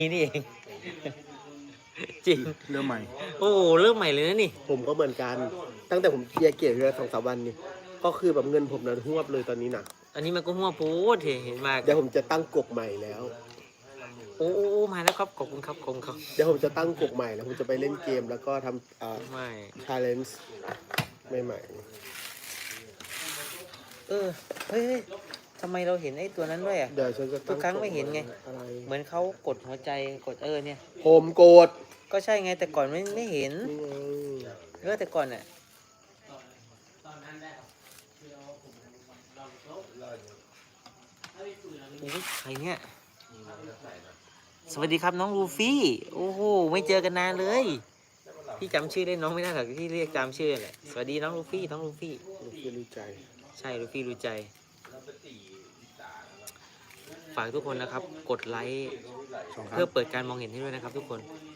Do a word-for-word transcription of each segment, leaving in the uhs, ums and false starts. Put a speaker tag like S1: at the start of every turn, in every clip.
S1: นี่นี่เองจริง
S2: เริ่มใหม่
S1: โอ้โหเริ่มใหม่เลยนะนี่
S3: ผมก็เหมือนกันตั้งแต่ผมเคลียร์เกียร์เรือสองสามวันนี่ก็คือแบบเงินผมนะหวบเลยตอนนี้นะ
S1: อันนี้มันก็หัวปูดเห็นมาก
S3: เดี๋ยวผมจะตั้งกบใหม่แล้ว
S1: โอ้โอ้มาแล้วครับขอบคุณครับขอบคุณครับ
S3: เดี๋ยวผมจะตั้งกบใหม่แล้วผมจะไปเล่นเกมแล้วก็ทำอ่า
S1: ไม่
S3: ชาเลนจ์ใหม่
S1: เออเฮ้ยทำไมเราเห็นไอ้ตัวนั้นด้วยอ่ะ
S3: เดี๋ยวฉันจะ
S1: ทุกครั้งไม่เห็นไง
S3: อะไร
S1: เหมือนเขากดหัวใจกดเออเนี่ย
S3: ผมโกรธ
S1: ก็ใช่ไงแต่ก่อนไม่ไม่เห็น
S3: นี่ไง
S1: เออแต่ก่อนอ่ะโอ้ยใครเนี่ยสวัสดีครับน้องลูฟี่โอ้โหไม่เจอกันนานเลยพี่จำชื่อได้น้องไม่ได้หรอกที่เรียกจำชื่อแหละสวัสดีน้องลูฟี่น้องลูฟี่
S3: ลูฟี่รู้ใจ
S1: ใช่ลูฟี่รู้ใจฝากทุกคนนะครับกดไลค์เพื่อเปิดการมองเห็นให้ด้วยนะครับทุกคน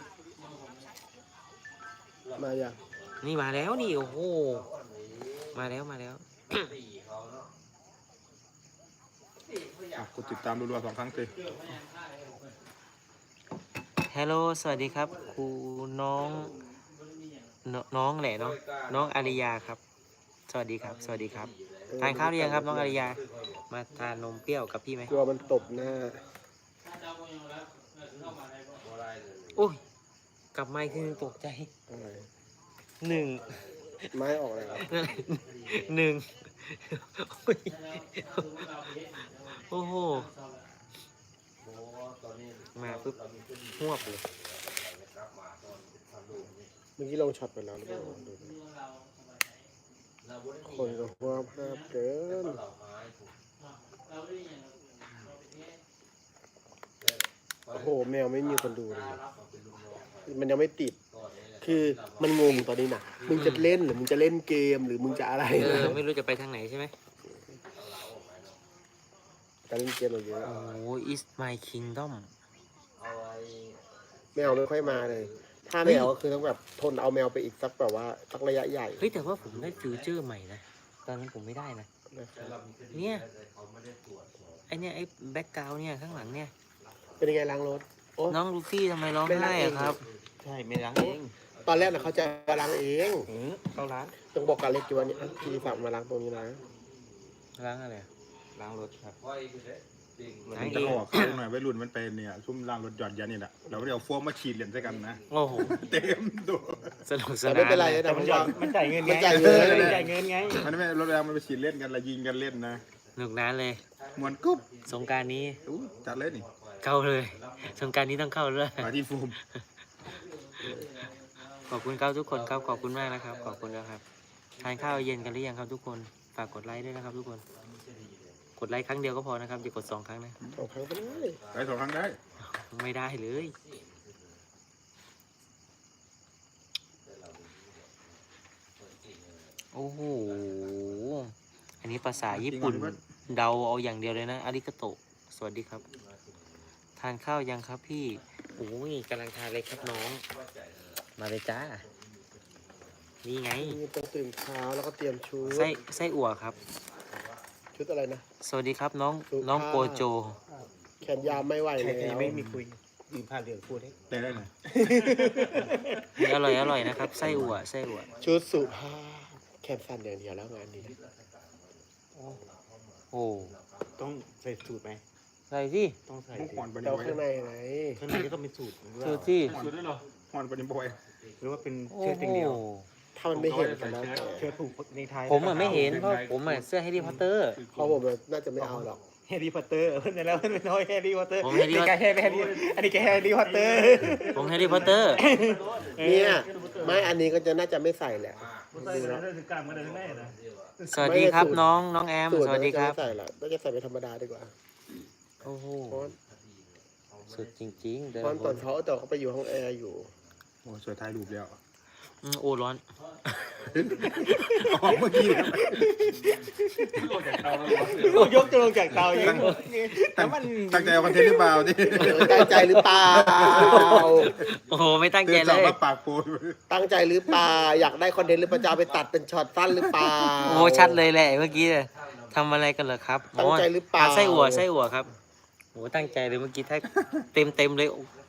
S3: มาอย่าง
S1: นี่มาแล้วนี่โอ้โหมาแล้วมาแล้ว
S2: กดติดตามรัวๆสองครั้งเลย
S1: ฮัลโหลสวัสดีครับครูน้องน้องแหละเนาะน้องอาริยาครับสวัสดีครับสวัสดีครับทานข้าวหรือยังครับน้องอาริยามาทานนมเปรี้ยวกับพี่ไหม
S3: กลัวมันตบหน้า
S1: โอ้ยกลับมาคือตกใจหนึ่ง
S3: ไม้ออกเลยครับ
S1: หนึ่งโอ้โหมาปุ๊บหวบเลย
S3: เมื่อกี้ลงช็อตไปแล้วหรือเปล่าคนก็หัวภาพเกินโอ้โหแมวไม่มีคนดูเลยมันยังไม่ติดคือมันงงตอนนี้นะมึงจะเล่นหรือมึงจะเล่นเกมหรือมึงจะอะไร
S1: เออไม่รู้จะไปทางไหนใช่ไหม
S3: การเล่นเกมเราเยอะ
S1: โอ้ is my kingdom
S3: แมวไม่ค่อยมาเลยถ้าแมวก็คือต้องแบบทนเอาแมวไปอีกสักแบบว่าสักระยะใหญ่
S1: เฮ้ยแต่ว่าผมได้ฟิวเจอร์ใหม่นะตอนนั้นผมไม่ได้นะเนี่ยไอเนี่ยไอแบ็กกราวเนี่ยข้างหลังเนี่ย
S3: เป็นยังไงล้างรถ
S1: น้องลูฟี่ทำไมร้องไห้อะครับ
S3: ใช่ไม่ล้างเองตอนแรกนะเขาจะมาล้างเอง
S1: เขาล้าง
S3: ต้องบอกการเล็กจวนนี่พี่ฝากมาล้างตรงนี้นะ
S1: ล้างอะไรล้างรถครับ
S2: ล้างจะออกเขาหน่อยไว้รุ่นมันเป็นเนี่ยชุ่มล้างรถหยอดยันนี่แหละเราเดี๋ยวโฟมมาฉีดเหรียญใส่กันนะ
S1: โอ้โห
S2: เต็มตัว
S1: สนุกสนาน
S3: ไม่เป็นไรแต่มัน
S1: มันจ่ายเงินไง
S3: มันจ่ายเงิน
S1: มันจ่ายเงินไง
S2: มันไม่รถแรงมันไปฉีดเล่นกันละยิงกันเล่นนะ
S1: สนุกนานเลย
S2: มวนกุ๊บ
S1: สงการนี้
S2: จัดเล่นนี่
S1: เข้าเลยสงการนี้ต้องเข้าเลย
S2: มาที่ฟูม
S1: ขอบคุณครับทุกคนครับขอบคุณมากนะครับขอบคุณนะครับทานข้าวเย็นกันหรือยังครับทุกคนฝากกดไลค์ด้วยนะครับทุกคนกดไลค์ครั้งเดียวก็พอนะครับอย่ากดสองครั้งนะ
S3: สองครั้งก็ได้
S2: ได้สองครั้งได้
S1: ไม่ได้เลยโอ้โหอันนี้ภาษาญี่ปุ่นเดาเอาอย่างเดียวเลยนะอาริกาโตะสวัสดีครับทานข้าวยังครับพี่โอ้ยกำลังทานเลยครับน้องมาเลยจ้านี่ไง
S3: ต้องตื่นเช้าแล้วก็เตรียมชุด
S1: ไส้ไส้อั่วครับ
S3: ชุดอะไรนะ
S1: สวัสดีครับน้องน้องโกโจ
S3: แขนยาวไม่ไหวแล้ว
S2: ไม่มีคุยยืนผ่านเรื่องพูดได้ได้ได้เลย
S1: อร่อยอร่อยนะครับไส้อั่วไส้อั่ว
S3: ชุดสุภาพแขนสั้นอย่างเดียวแล้วงานนี้
S1: โอ้
S2: ต้องใส่สูตรไหม
S1: ใส่ที่
S2: ต้องใส่
S3: แต่ข้างในไหน
S2: ข้างในก็ต้องเป็นสูตร
S1: สูตรที่
S2: สูตรด้วยเหรอฮอนปนิบอยหรือว่าเป็น
S1: เสื้อติ่งเดียว
S3: ถ้ามันไม่เห็นกันแล้ว
S2: เสื้อผูกในไทย
S1: ผมอ่ะไม่เห็นเพราะผมอ่ะเสื้อแฮร์รี่พอตเตอร์
S3: เพราะผมน่าจะไม่เอาหรอก
S2: แฮร์รี่พอตเตอร์เพื่อนแล้วเพื่อนน้อยแฮร์รี่พอตเตอร์
S1: ผมแฮร์รี่
S2: แฮร์รี่อันนี้แกแฮร์รี่พอตเตอร์
S1: ผมแฮร์รี่พอตเตอร์
S3: เนี่ยไม่อันนี้ก็จะน่าจะไม่ใส่แหละ
S1: สวัสดีครับน้องน้องแอมสวัสดีครับ
S3: ใส่ละน่าจะใส่ไปธรรมดาดีกว่า
S1: โอ้โหสุดจริงๆเดี๋ยว
S3: ตอนเขาแต่เขาไปอยู่ห้องแอร์อยู่
S2: โอ้สวยถ่ายรูปแล้ว
S1: โอ้ร้อน
S2: ออกเมื่อกี้
S3: ยกจะลงจากเตายัง
S2: แต่มันตั้งใจเอาคอนเทนต์หรือเปล่าดิ
S3: ตั้งใจหรือเปล่า
S1: โอ้โหไม่ตั้งใจเลย
S2: ปากโปน
S3: ตั้งใจหรือเปล่าอยากได้คอนเทนต์หรือประจาไปตัดเป็นช็อตสั้นหรือเปล่า
S1: โอ้ชัดเลยแหละเมื่อกี้ทำอะไรกันเหรอครับ
S3: ตั้งใจหรือเปล่า
S1: ไส้อั่วไส้อั่วครับโอ้ตั้งใจเลยเมื่อกี้ถ้าเต็มเต็มเลย